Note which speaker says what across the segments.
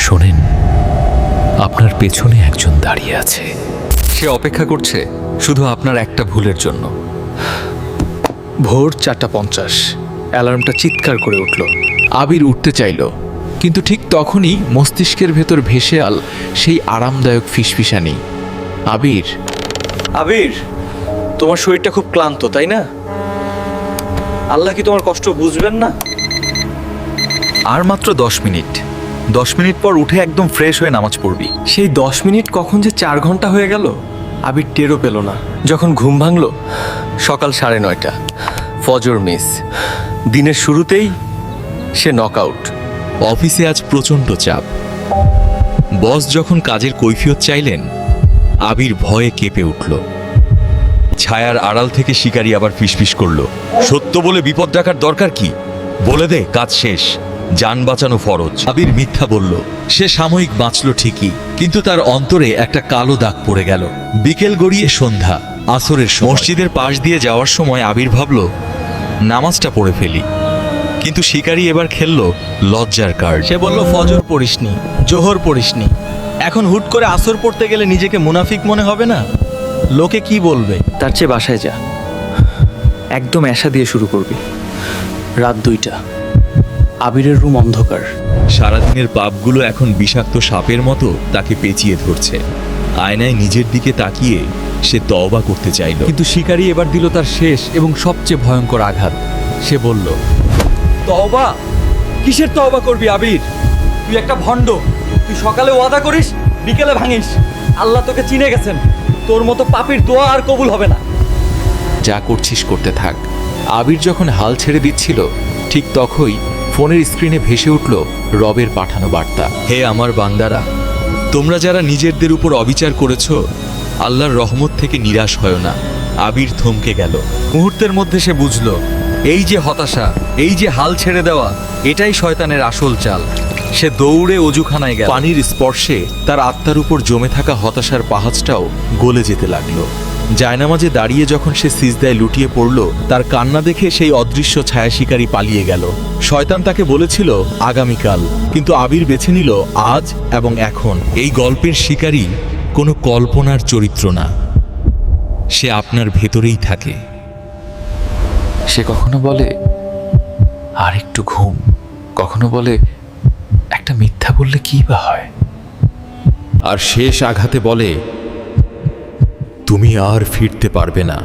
Speaker 1: শোনেন, আপনার পেছনে একজন দাঁড়িয়ে আছে।
Speaker 2: সে অপেক্ষা করছে শুধু আপনার একটা ভুলের জন্য।
Speaker 3: ভোর 4:50 অ্যালার্মটা চিৎকার করে উঠল।
Speaker 4: আবির উঠতে চাইল, কিন্তু ঠিক তখনই মস্তিষ্কের ভেতর ভেসে আল সেই আরামদায়ক ফিসফিসানি। আবির,
Speaker 3: আবির, তোমার শরীরটা খুব ক্লান্ত, তাই না? আল্লাহ কি তোমার কষ্ট বুঝবেন না?
Speaker 2: আর মাত্র 10 মিনিট। 10 মিনিট পর উঠে একদম ফ্রেশ হয়ে নামাজ পড়বি।
Speaker 3: সেই 10 মিনিট কখন যে 4 ঘন্টা হয়ে গেল আবির টেরও পেল না। যখন ঘুম ভাঙল সকাল 9:30, ফজর মিস। দিনের শুরুতেই সে নকআউট।
Speaker 1: অফিসে আজ প্রচণ্ড চাপ। বস যখন কাজের কৈফিয়ত চাইলেন, আবির ভয়ে কেঁপে উঠল। ছায়ার আড়াল থেকে শিকারী আবার ফিসফিস করল, সত্য বলে বিপদ ডাকার দরকার কি? বলে দে, কাজ শেষ, যান বাঁচানো ফরজ। আবির মিথ্যা বলল। সে সাময়িক বাঁচল ঠিকই, কিন্তু তার অন্তরে একটা কালো দাগ পড়ে গেল। বিকেল গড়িয়ে সন্ধ্যা, আসরের সময়। মসজিদের পাশ দিয়ে যাওয়ার সময় আবির ভাবল নামাজটা পড়ে ফেলি, কিন্তু শিকারী এবার খেলল লজ্জার কার্ড।
Speaker 5: সে বলল, ফজর পড়িসনি, জোহর পড়িসনি, এখন হুট করে আসর পড়তে গেলে নিজেকে মুনাফিক মনে হবে না? লোকে কি বলবে?
Speaker 3: তার চেয়ে বাসায় যা, একদম এশা দিয়ে শুরু করবি। রাত 2টা, আবিরের রুম অন্ধকার।
Speaker 1: সারাদিনের পাপগুলো এখন বিষাক্ত সাপের মতো তাকে পেঁচিয়ে ধরছে। আয়নায় নিজের দিকে তাকিয়ে সে তওবা করতে চাইল,
Speaker 4: কিন্তু শিকারী এবার দিল তার শেষ এবং সবচেয়ে ভয়ঙ্কর আঘাত। সে বলল,
Speaker 5: তওবা? কিসের তওবা করবি আবির? তুই একটা ভণ্ড। তুই সকালে ওয়াদা করিস, বিকেলে ভাঙিস। আল্লাহ তোকে চিনে গেছেন, তোর মতো পাপীর দোয়া আর কবুল হবে না।
Speaker 4: যা করছিস করতে থাক। আবির যখন হাল ছেড়ে দিচ্ছিল, ঠিক তখনই ফোনের স্ক্রিনে ভেসে উঠল রবের পাঠানো বার্তা।
Speaker 1: হে আমার বান্দারা, তোমরা যারা নিজেদের উপর অবিচার করেছ, আল্লাহর রহমত থেকে নিরাশ হয় না। আবির থমকে গেল।
Speaker 2: মুহূর্তের মধ্যে সে বুঝল, এই যে হতাশা, এই যে হাল ছেড়ে দেওয়া, এটাই শয়তানের আসল চাল। সে দৌড়ে অজুখানায় গেল।
Speaker 1: পানির স্পর্শে তার আত্মার উপর জমে থাকা হতাশার পাহাড়টাও গলে যেতে লাগলো। জায়নামাজে দাঁড়িয়ে যখন সে সিজদায় লুটিয়ে পড়ল, তার কান্না দেখে সেই অদৃশ্য ছায়া শিকারী পালিয়ে গেল। শয়তান তাকে বলেছিল আগামীকাল, কিন্তু আবির বেছে নিল আজ এবং এখন। এই গল্পের শিকারী কোনো কল্পনার চরিত্র না, সে আপনার ভেতরেই থাকে।
Speaker 4: সে কখনো বলে আর একটু ঘুম, কখনো বলে একটা মিথ্যা বললে কি বা হয়,
Speaker 1: আর শেষ আঘাতে বলে তুমি আর ফিরতে পারবে না।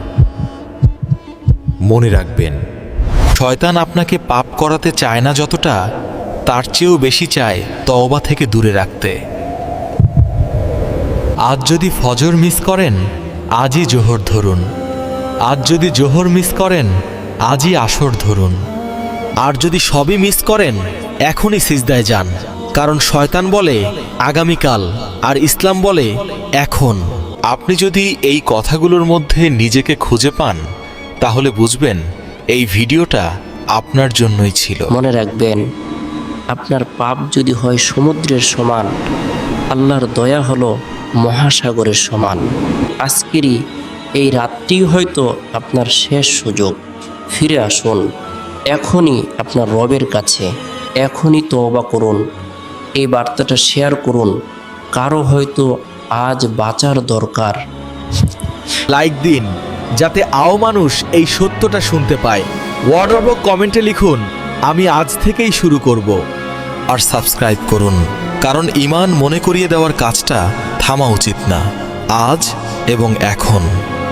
Speaker 1: মনে রাখবেন, শয়তান আপনাকে পাপ করাতে চায় না যতটা, তার চেয়েও বেশি চায় তওবা থেকে দূরে রাখতে। আজ যদি ফজর মিস করেন, আজই জোহর ধরুন। আজ যদি জোহর মিস করেন, আজই আসর ধরুন। আর যদি সবই মিস করেন, এখনই সিজদায় যান, কারণ শয়তান বলে আগামীকাল আর ইসলাম বলে এখন। আপনি যদি এই কথাগুলোর মধ্যে নিজেকে খুঁজে পান, তাহলে বুঝবেন এই ভিডিওটা আপনার জন্যই ছিল।
Speaker 6: মনে রাখবেন, আপনার পাপ যদি হয় সমুদ্রের সমান, আল্লাহর দয়া হলো মহাসাগরের সমান। আজকেরই এই রাতটি হয়তো আপনার শেষ সুযোগ। ফিরে আসুন এখনই আপনার রবের কাছে, এখনই তওবা করুন। এই বার্তাটা শেয়ার করুন, কারো হয়তো আজ বাঁচার দরকার।
Speaker 2: লাইক দিন, যাতে আও মানুষ এই সত্যটা শুনতে পায়। ওয়ার্ড কমেন্টে লিখুন, আমি আজ থেকেই শুরু করব।
Speaker 1: আর সাবস্ক্রাইব করুন, কারণ ঈমান মনে করিয়ে দেওয়ার কাজটা থামা উচিত না, আজ এবং এখন।